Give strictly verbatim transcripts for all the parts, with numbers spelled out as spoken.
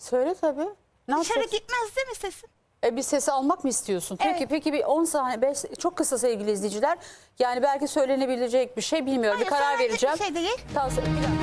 Söyle tabii. Ne Dışarı yapacaksın? gitmez değil mi sesin? E, bir sesi almak mı istiyorsun? Peki Evet. peki bir on saniye, beş, çok kısa sevgili izleyiciler. Yani belki söylenebilecek bir şey bilmiyorum. Hayır, bir karar söylenecek vereceğim. bir şey değil. Tavsiye- bir dakika.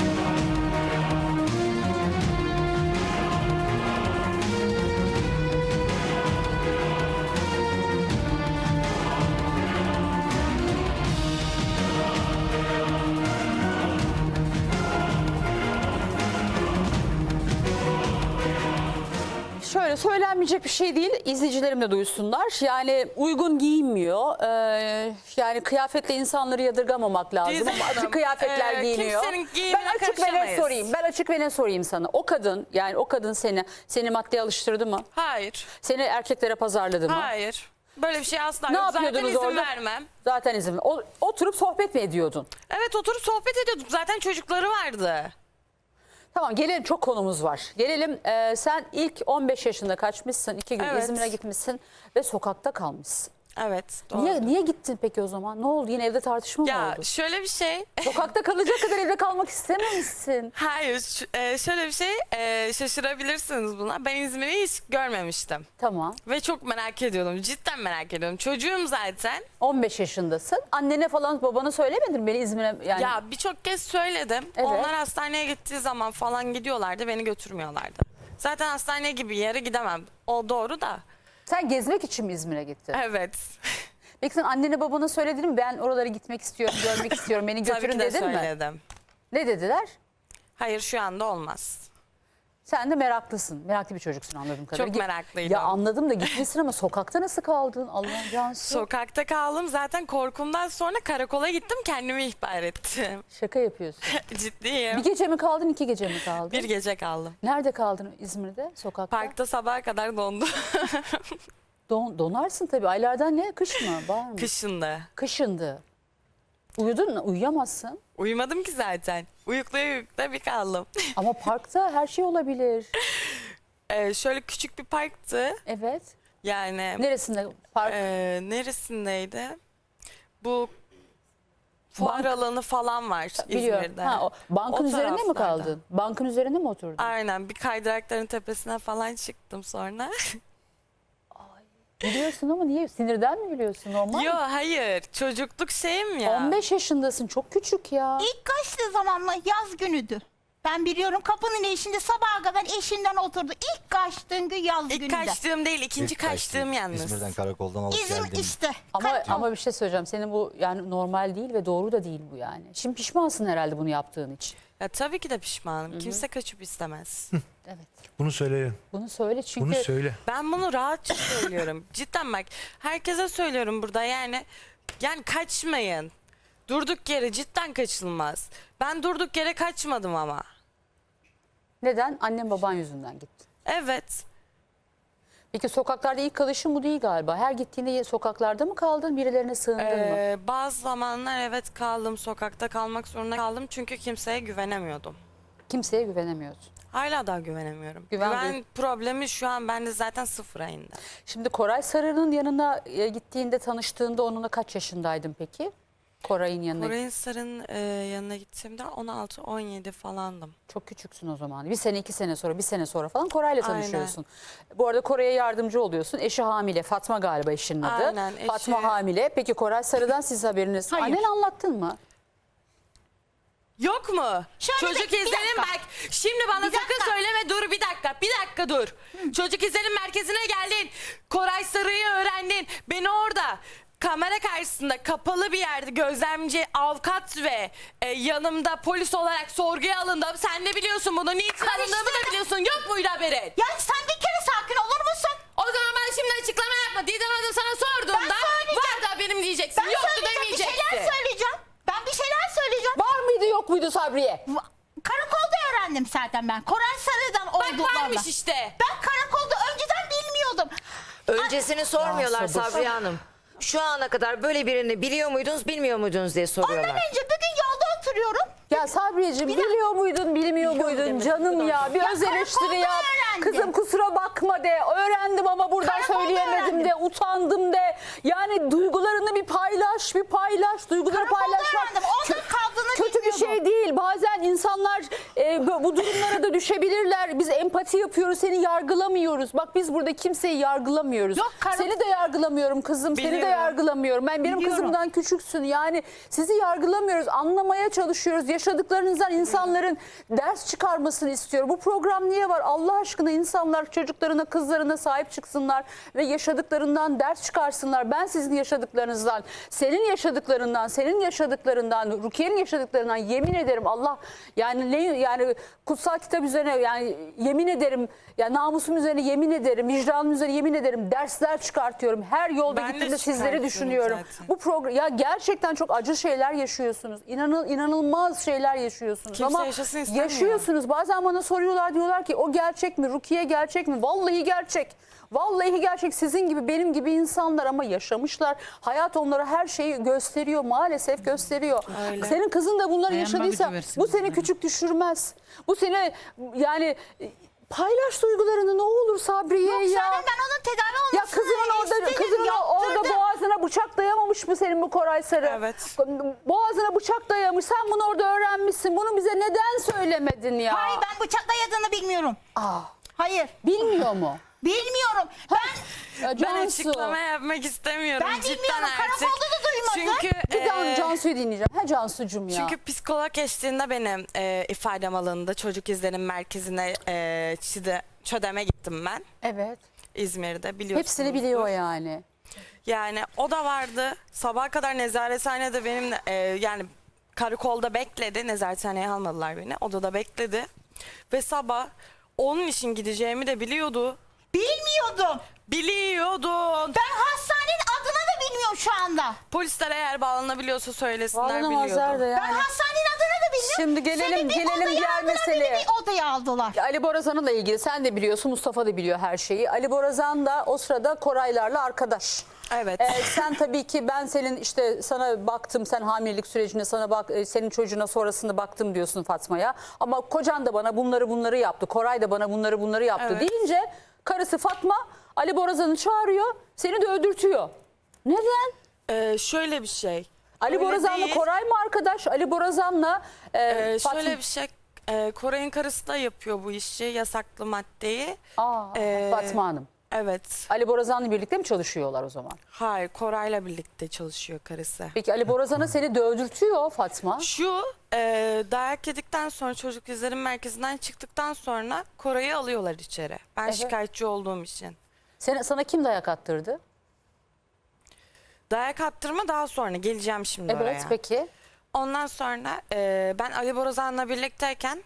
Şöyle söylenmeyecek bir şey değil. İzleyicilerim de duysunlar. Yani uygun giyinmiyor. Ee, yani kıyafetle insanları yadırgamamak lazım. Didem Ama açık Hanım, kıyafetler e, giyiniyor. kimsenin giyimine Ben açık ve ne karışamayız. sorayım. Ben açık ve ne sorayım sana. O kadın, yani o kadın seni seni maddeye alıştırdı mı? Hayır. Seni erkeklere pazarladı mı? Hayır. Böyle bir şey asla Ne yok. Zaten yapıyordunuz izin orada? vermem. Zaten izin. O, oturup sohbet mi ediyordun? Evet, oturup sohbet ediyorduk. Zaten çocukları vardı. Tamam, gelelim, çok konumuz var. Gelelim, e, sen ilk on beş yaşında kaçmışsın, iki gün Evet. İzmir'e gitmişsin ve sokakta kalmışsın. Evet, doğru. Niye, niye gittin peki o zaman? Ne oldu? Yine evde tartışma mı Ya oldu? şöyle bir şey. Sokakta kalacak kadar evde kalmak istememişsin. Hayır, ş- e, şöyle bir şey. e, şaşırabilirsiniz buna. Ben İzmir'i hiç görmemiştim. Tamam. Ve çok merak ediyordum. Cidden merak ediyordum. Çocuğum zaten. on beş yaşındasın. Annene falan babana söylemedin mi beni İzmir'e? Yani Ya birçok kez söyledim. Evet. Onlar hastaneye gittiği zaman falan gidiyorlardı. Beni götürmüyorlardı. Zaten hastane gibi bir yere gidemem. O doğru da. sen gezmek için mi İzmir'e gittin? Evet. Peki sen annene babana söyledin mi? Ben oralara gitmek istiyorum, görmek istiyorum, beni Tabii götürün ki de dedin mi? söyledim. Ne dediler? Hayır, şu anda olmaz. Sen de meraklısın. Meraklı bir çocuksun anladığım kadarıyla. Çok meraklıydım. Ya anladım da gitmişsin ama sokakta nasıl kaldın? Allah'ım Cansu. Sokakta kaldım. Zaten korkumdan sonra karakola gittim. Kendimi ihbar ettim. Şaka yapıyorsun. Ciddiyim. Bir gece mi kaldın, iki gece mi kaldın? Bir gece kaldım. Nerede kaldın İzmir'de? Sokakta? Parkta sabaha kadar dondum. Don, donarsın tabii. Aylardan ne? Kış mı? Var mı? Kışında. Kışındı. Uyudun mu? Uyuyamazsın. Uyumadım ki zaten. Uyukla uyukla bir kaldım. Ama parkta her şey olabilir. Ee, şöyle küçük bir parktı. Evet. Yani Neresinde? Park. e, neresindeydi? Bu fuar Bank- alanı falan var Biliyorum. İzmir'de. Ha, o, bankın O üzerinde mi taraflarda. kaldın? Bankın üzerinde mi oturdun? Aynen, bir kaydırakların tepesine falan çıktım sonra. Biliyorsun ama niye? Sinirden mi biliyorsun? Normal Yo mi? hayır, çocukluk şeyim ya. on beş yaşındasın. Çok küçük ya. İlk kaçtığı zaman mı? Yaz günüdü. Ben biliyorum, kapının eşinde sabaha kadar eşinden oturdu. İlk kaçtığın gün yaz İlk gününde. kaçtığım değil, ikinci İlk kaçtım. kaçtığım yalnız. İzmir'den karakoldan alıp İzmir geldim. işte. Ama Kaç- ama bir şey söyleyeceğim. Senin bu yani normal değil ve doğru da değil bu yani. Şimdi pişmansın herhalde bunu yaptığın için. Ya tabii ki de pişmanım. Kimse kaçıp istemez. Evet. Bunu söyle. Bunu söyle çünkü Bunu söyle. Ben bunu rahatça söylüyorum. Cidden bak, herkese söylüyorum burada, yani yani kaçmayın. Durduk yere cidden kaçılmaz. Ben durduk yere kaçmadım ama. neden? Annen baban yüzünden gittin. Evet. Peki sokaklarda ilk kalışın bu değil galiba. Her gittiğinde sokaklarda mı kaldın? Birilerine sığındın mı? Ee, bazı zamanlar evet kaldım, sokakta kalmak zorunda kaldım çünkü kimseye güvenemiyordum. Kimseye güvenemiyorsun. Hala daha güvenemiyorum. Güven Güven, duy- problemi şu an bende zaten sıfıra indi. Şimdi Koray Sarı'nın yanına e, gittiğinde, tanıştığında onunla kaç yaşındaydın peki? Koray'ın yanına. Koray'ın Sarı'nın e, yanına gittiğimde on altı on yedi falandım. Çok küçüksün o zaman. Bir sene, iki sene sonra, bir sene sonra falan Koray'la Aynen. tanışıyorsun. Bu arada Koray'a yardımcı oluyorsun. Eşi hamile. Fatma galiba eşinin adı. Aynen, eşi- Fatma hamile. Peki Koray Sarı'dan siz haberiniz. Hayır. Annen anlattın mı? Yok mu? Şöyle Çocuk bir- bir izlenim dakika. bak. Şimdi bana Bir sakın dakika. söyleme, dur bir dakika. Bir dakika dur. Çocuk izlenim merkezine geldin. Koray Sarı'yı öğrendin. Beni orada kamera karşısında kapalı bir yerde gözlemci, avukat ve e, yanımda polis olarak sorguya alındım. Sen de biliyorsun bunu. Niçin alındığımı da biliyorsun. Yok muydu haberin? Ya sen bir kere sakin olur musun? O zaman ben şimdi açıklama yapma. Didem Hanım sana sorduğumda Ben söyleyeceğim. vardı haberim diyeceksin. Ben Yoktu söyleyeceğim, bir demeyeceksin. şeyler söyleyeceğim. Ben bir şeyler söyleyeceğim. Var mıydı yok muydu Sabriye? Va- Karakolda öğrendim zaten ben. Koray Sarı'dan Bak olduklarını. varmış işte. Ben karakolda önceden bilmiyordum. Öncesini sormuyorlar Ya sabır. Sabriye Hanım. Şu ana kadar böyle birini biliyor muydunuz, bilmiyor muydunuz diye Ondan soruyorlar. önce bir gün yolda oturuyorum. Ya Sabriyeciğim biliyor muydun, bilmiyor muydun demek, canım bu ya? Bir Ya öz eleştiri karakolda yap. öğrendim. Kızım kusura bakma de. Öğrendim ama buradan Karakolda söyleyemedim öğrendim. de. Utandım de. Yani duygularını bir paylaş, bir paylaş. Duyguları Karakolda paylaşmak. öğrendim. Orada kaldığını kötü bir şey değil. Bazen insanlar e, bu bu durumlara da düşebilirler. Biz empati yapıyoruz, seni yargılamıyoruz. Bak biz burada kimseyi yargılamıyoruz. Yok, karım- Seni de yargılamıyorum kızım, seni de Biliyorum. yargılamıyorum. Ben benim Biliyorum. kızımdan küçüksün. Yani sizi yargılamıyoruz, anlamaya çalışıyoruz. Yaşadıklarınızdan insanların ders çıkarmasını istiyorum. Bu program niye var? Allah aşkına insanlar çocuklarına, kızlarına sahip çıksınlar ve yaşadıklarından ders çıkarsınlar. Ben sizin yaşadıklarınızdan, senin yaşadıklarından, senin yaşadıklarından, Rukiye'nin yaşadıklarından yemin ederim Allah yani ne yani kutsal kitap üzerine yani yemin ederim ya namusum üzerine yemin ederim, vicdanım üzerine yemin ederim dersler çıkartıyorum. Her yolda Ben de gittiğimde sizleri çıkartıyorum düşünüyorum. zaten. Bu program ya gerçekten çok acı şeyler yaşıyorsunuz. İnanıl inanılmaz şeyler yaşıyorsunuz. Kimse Ama yaşasın istemiyor. yaşıyorsunuz. Bazen bana soruyorlar, diyorlar ki o gerçek mi? Rukiye gerçek mi? Vallahi gerçek. Vallahi gerçek, sizin gibi benim gibi insanlar ama yaşamışlar. Hayat onlara her şeyi gösteriyor, maalesef gösteriyor. Öyle. Senin kızın da bunları Dayanma yaşadıysa gücü versin bu seni bunlara. küçük düşürmez. Bu seni yani paylaş duygularını ne olur Sabriye Yok ya. Serap, ben onun tedavi olmasını Ya kızının orada istedim, kızının orada yaptırdım. boğazına bıçak dayamamış mı senin bu Koray Sarı? Evet. Boğazına bıçak dayamış. Sen bunu orada öğrenmişsin. Bunu bize neden söylemedin ya? Hayır, ben bıçakla yadığını bilmiyorum. Aa, Hayır, bilmiyor mu? bilmiyorum. Ben Ya Ben Cansu. açıklama yapmak istemiyorum. Ben Cidden bilmiyorum, artık. karakolda da duymadım. Çünkü Bir daha e, Cansu'yu dinleyeceğim. He Cansu'cum ya. Çünkü psikolog eşliğinde benim e, ifadem alındı. Çocuk izlenim merkezine e, çide, çödeme gittim ben. Evet. İzmir'de biliyorsunuz. Hepsini biliyor yani. Yani o da vardı. Sabaha kadar nezarethanede benimle e, yani karakolda bekledi. Nezarethaneye almadılar beni. Odada bekledi. Ve sabah onun için gideceğimi de biliyordu. bilmiyordum. Biliyordun. Ben hastanenin adını da bilmiyorum şu anda. Polisler eğer bağlanabiliyorsa söylesinler Bağlanamazlar da biliyordum. yani. Ben hastanenin adını da bilmiyorum. Şimdi gelelim- Seni bir gelelim odaya diğer aldılar, meseleye. beni bir odaya aldılar. Ali Borazan'la ilgili sen de biliyorsun, Mustafa da biliyor her şeyi. Ali Borazan da o sırada Koraylarla arkadaş. Evet. Ee, sen tabii ki ben senin işte sana baktım, sen hamilelik sürecinde sana bak, e, senin çocuğuna sonrasında baktım diyorsun Fatma'ya. Ama kocan da bana bunları bunları yaptı, Koray da bana bunları bunları yaptı Evet. deyince karısı Fatma Ali Borazan'ı çağırıyor, seni de öldürtüyor. Neden? Ee, şöyle bir şey. Ali Öyle Borazan'la değil. Koray mı arkadaş? Ali Borazan'la e, Ee, Fatma. şöyle bir şey. e, Koray'ın karısı da yapıyor bu işi. Yasaklı maddeyi. Aa, Ee, Fatma Hanım. Evet. Ali Borazan'la birlikte mi çalışıyorlar o zaman? Hayır, Koray'la birlikte çalışıyor karısı. Peki Ali Borazan'a seni dövdürtüyor Fatma. Şu e, dayak yedikten sonra çocuk izlenim merkezinden çıktıktan sonra Koray'ı alıyorlar içeri. Ben Evet. şikayetçi olduğum için. Sen, sana kim dayak attırdı? Dayak attırma daha sonra geleceğim şimdi Evet oraya. peki. Ondan sonra e, ben Ali Borazan'la birlikteyken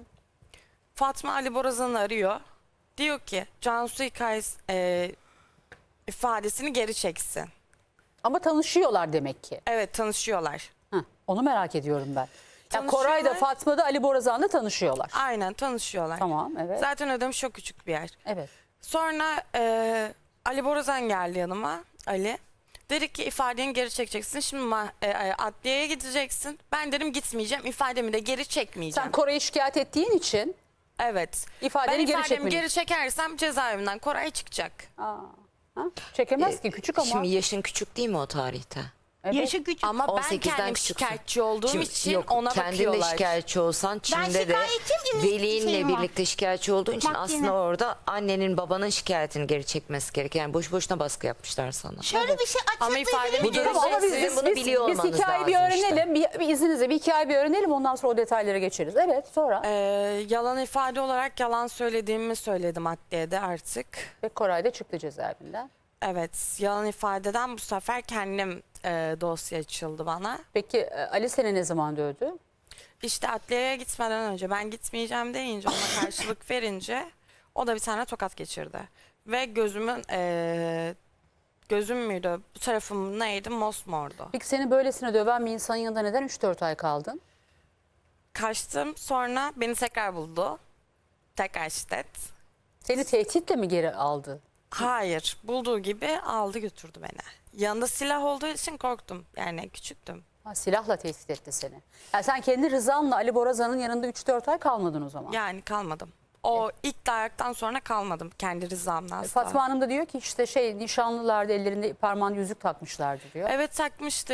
Fatma Ali Borazan'ı arıyor. Diyor ki Cansu hikayesi e, ifadesini geri çeksin. Ama tanışıyorlar demek ki. Evet, tanışıyorlar. Heh, onu merak ediyorum ben. Ya Tanışıyorlar. Koray da Fatma da Ali Borazan'la tanışıyorlar. Aynen, tanışıyorlar. Tamam evet. Zaten ödem çok küçük bir yer. Evet. Sonra e, Ali Borazan geldi yanıma. Ali. Dedi ki ifadeni geri çekeceksin. Şimdi ma- e, e, adliyeye gideceksin. Ben dedim gitmeyeceğim. İfademi de geri çekmeyeceğim. Sen Koray'ı şikayet ettiğin için Evet. İfadeni ben geri ifademi çekmedin. geri çekersem cezaevinden Koray çıkacak. aa, ha? çekemez ki küçük ama. Şimdi yaşın küçük değil mi o tarihte? Evet. Yaşı küçük. Ama ben on sekizden kendim küçüksün. şikayetçi olduğum Şimdi için yok, ona kendin bakıyorlar. de şikayetçi olsan Çin'de de şikayetim, velinle şeyim var. birlikte şikayetçi olduğun için Bak aslında yine. orada annenin babanın şikayetini geri çekmesi gerekiyor. Yani boş boşuna baskı yapmışlar sana. Şöyle bir şey Ama açıklayabilir ifademi miyim? geri Tamam, ama biz, Sizin biz, bunu biz, biliyor biz olmanız hikayeyi bir lazım işte. öğrenelim. Bir, bir izninizle bir hikaye bir öğrenelim. Ondan sonra o detaylara geçeriz. Evet sonra. Ee, yalan ifade olarak yalan söylediğimi söyledim adliyede artık. Ve Koray da çıktı cezaevinden. Evet, yalan ifadeden bu sefer kendim e, dosya açıldı bana. Peki e, Ali seni ne zaman dövdü? İşte adliyeye gitmeden önce ben gitmeyeceğim deyince, ona karşılık verince o da bir tane tokat geçirdi. Ve gözümün e, gözüm müydü, bu tarafım neydi, mosmordu. Peki seni böylesine döven bir insanın yanında neden üç dört ay kaldın? Kaçtım, sonra beni tekrar buldu. Tekrar şiddet. Seni tehditle mi geri aldı? Hayır, bulduğu gibi aldı götürdü beni. Yanında silah olduğu için korktum, yani küçüktüm. Ha, silahla tehdit etti seni. Yani sen kendi rızanla Ali Borazan'ın yanında üç dört ay kalmadın o zaman. Yani kalmadım. O ilk dayaktan sonra kalmadım kendi rızamla asla. Fatma Hanım da diyor ki işte şey nişanlılardı ellerinde parmağında yüzük takmışlardı diyor. Evet, takmıştık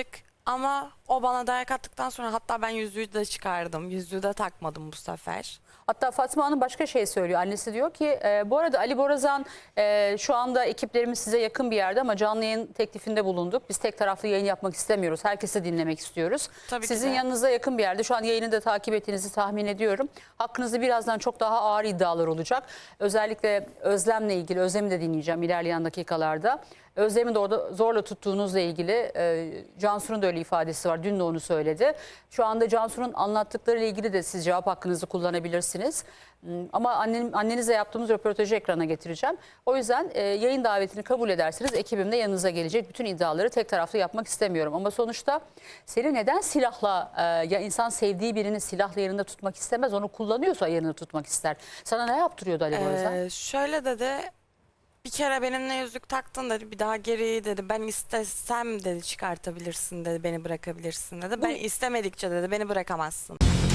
Ama o bana dayak attıktan sonra hatta ben yüzüğü de çıkardım. Yüzüğü de takmadım bu sefer. Hatta Fatma Hanım başka şey söylüyor. Annesi diyor ki e, bu arada Ali Borazan e, şu anda ekiplerimiz size yakın bir yerde ama canlı yayın teklifinde bulunduk. Biz tek taraflı yayın yapmak istemiyoruz. Herkesi dinlemek istiyoruz. Tabii ki Sizin de. yanınıza yakın bir yerde. Şu an yayını da takip ettiğinizi tahmin ediyorum. Hakkınızda birazdan çok daha ağır iddialar olacak. Özellikle Özlem'le ilgili, Özlem'i de dinleyeceğim ilerleyen dakikalarda. Özlem'i de orada zorla tuttuğunuzla ilgili e, Cansu'nun da öyle ifadesi var. Dün de onu söyledi. Şu anda Cansu'nun anlattıkları ile ilgili de siz cevap hakkınızı kullanabilirsiniz. Hmm, Ama annem, annenizle yaptığımız röportajı ekrana getireceğim. O yüzden e, yayın davetini kabul ederseniz ekibim de yanınıza gelecek. Bütün iddiaları tek taraflı yapmak istemiyorum. Ama sonuçta seni neden silahla, e, ya insan sevdiği birini silahla yanında tutmak istemez. Onu kullanıyorsa yanında tutmak ister. Sana ne yaptırıyordu Ali Borazan? Ee, şöyle dedi. Bir kere benimle yüzük taktın dedi. Bir daha geri dedi. Ben istesem dedi çıkartabilirsin dedi. Beni bırakabilirsin dedi. Ben istemedikçe dedi beni bırakamazsın.